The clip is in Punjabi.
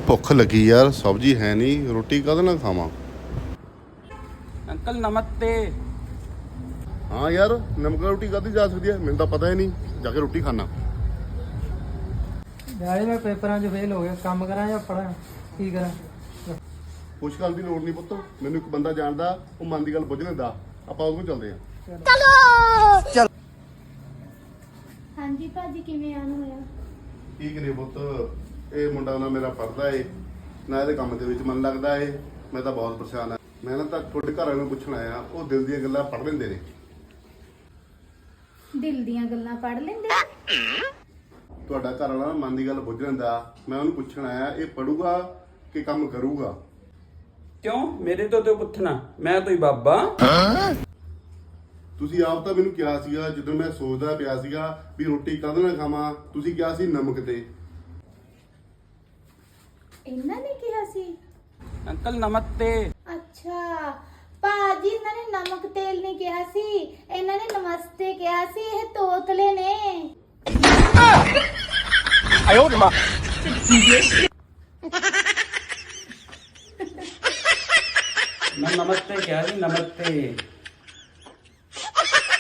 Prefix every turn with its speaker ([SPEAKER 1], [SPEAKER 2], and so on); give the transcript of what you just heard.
[SPEAKER 1] ਭੁੱਖ ਲੱਗੀ ਯਾਰ, ਸਬਜ਼ੀ ਹੈ ਨਹੀਂ, ਰੋਟੀ ਕਾਹਦੇ ਨਾਲ ਖਾਵਾਂ।
[SPEAKER 2] ਅੰਕਲ ਨਮਸਤੇ।
[SPEAKER 1] ਹਾਂ ਯਾਰ, ਨਮਕ ਰੋਟੀ ਕਾਹਦੀ ਜਾ ਸਕਦੀ ਹੈ, ਮੈਨੂੰ ਤਾਂ ਪਤਾ ਹੀ ਨਹੀਂ। ਜਾ ਕੇ ਰੋਟੀ ਖਾਣਾ।
[SPEAKER 3] ਯਾਰ ਮੈਂ ਪੇਪਰਾਂ 'ਚ ਫੇਲ ਹੋ ਗਿਆ, ਕੰਮ ਕਰਾਂ ਜਾਂ ਪੜਾਂ, ਕੀ ਕਰਾਂ?
[SPEAKER 1] ਕੁਛ ਕਰਨ ਦੀ ਲੋੜ ਨਹੀਂ ਪੁੱਤ, ਮੈਨੂੰ ਇੱਕ ਬੰਦਾ ਜਾਣਦਾ, ਉਹ ਮਨ ਦੀ ਗੱਲ ਬੁੱਝ ਲੈਂਦਾ। ਆਪਾਂ ਉਹਦੇ ਕੋਲ ਚੱਲਦੇ ਹਾਂ।
[SPEAKER 3] ਚਲ
[SPEAKER 4] ਹਾਂਜੀ ਭਾਜੀ, ਕਿਵੇਂ ਆਉਣ ਹੋਇਆ?
[SPEAKER 1] ਠੀਕ ਨੇ ਪੁੱਤ, ਇਹ ਮੁੰਡਾ ਨਾ ਮੇਰਾ ਪੜਦਾ ਏ ਨਾ, ਇਹਦੇ ਕੰਮ ਦੇ ਵਿੱਚ ਮਨ ਲੱਗਦਾ ਏ। ਮੈਂ ਤਾਂ ਬਹੁਤ ਪਰੇਸ਼ਾਨ ਆ। ਮੈਂ ਨਾ ਤਾਂ ਤੁਹਾਡੇ ਘਰ ਵਾਲਿਆਂ ਨੂੰ ਪੁੱਛਣ ਆਇਆ, ਉਹ ਦਿਲ ਦੀਆਂ ਗੱਲਾਂ ਪੜ੍ਹ ਲੈਂਦੇ ਨੇ।
[SPEAKER 4] ਦਿਲ ਦੀਆਂ ਗੱਲਾਂ ਪੜ੍ਹ ਲੈਂਦੇ?
[SPEAKER 1] ਤੁਹਾਡਾ ਘਰ ਵਾਲਾ ਨਾ ਮਨ ਦੀ ਗੱਲ ਬੁੱਝ ਲੈਂਦਾ। ਮੈਂ ਉਹਨੂੰ ਪੁੱਛਣ ਆਇਆ, ਇਹ ਪੜੂਗਾ ਕਿ ਕੰਮ ਕਰੂਗਾ?
[SPEAKER 2] ਕਿਉਂ ਮੇਰੇ ਤੋਂ ਪੁੱਛਣਾ, ਮੈਂ ਕੋਈ ਬਾਬਾ?
[SPEAKER 1] ਤੁਸੀਂ ਆਪ ਤਾਂ ਮੈਨੂੰ ਕਿਹਾ ਸੀਗਾ, ਜਦੋਂ ਮੈਂ ਸੋਚਦਾ ਪਿਆ ਸੀਗਾ ਵੀ ਰੋਟੀ ਕਾਹਦੇ ਨਾਲ ਖਾਵਾਂ, ਤੁਸੀਂ ਕਿਹਾ ਸੀ ਨਮਕ ਤੇ।
[SPEAKER 4] ਇਹਨਾਂ ਨੇ ਕਿਹਾ ਸੀ?
[SPEAKER 2] ਅੰਕਲ ਨਮਸਤੇ।
[SPEAKER 4] ਅੱਛਾ ਭਾਜੀ, ਇਹਨਾਂ ਨੇ ਨਮਕ ਤੇਲ ਨਹੀਂ ਕਿਹਾ ਸੀ, ਇਹਨਾਂ ਨੇ ਨਮਸਤੇ ਕਿਹਾ ਸੀ। ਇਹ ਤੋਤਲੇ ਨੇ।
[SPEAKER 2] ਆਇਓ ਮਾਂ। ਮੈਂ ਨਮਸਤੇ ਕਿਹਾ ਜੀ, ਨਮਸਤੇ।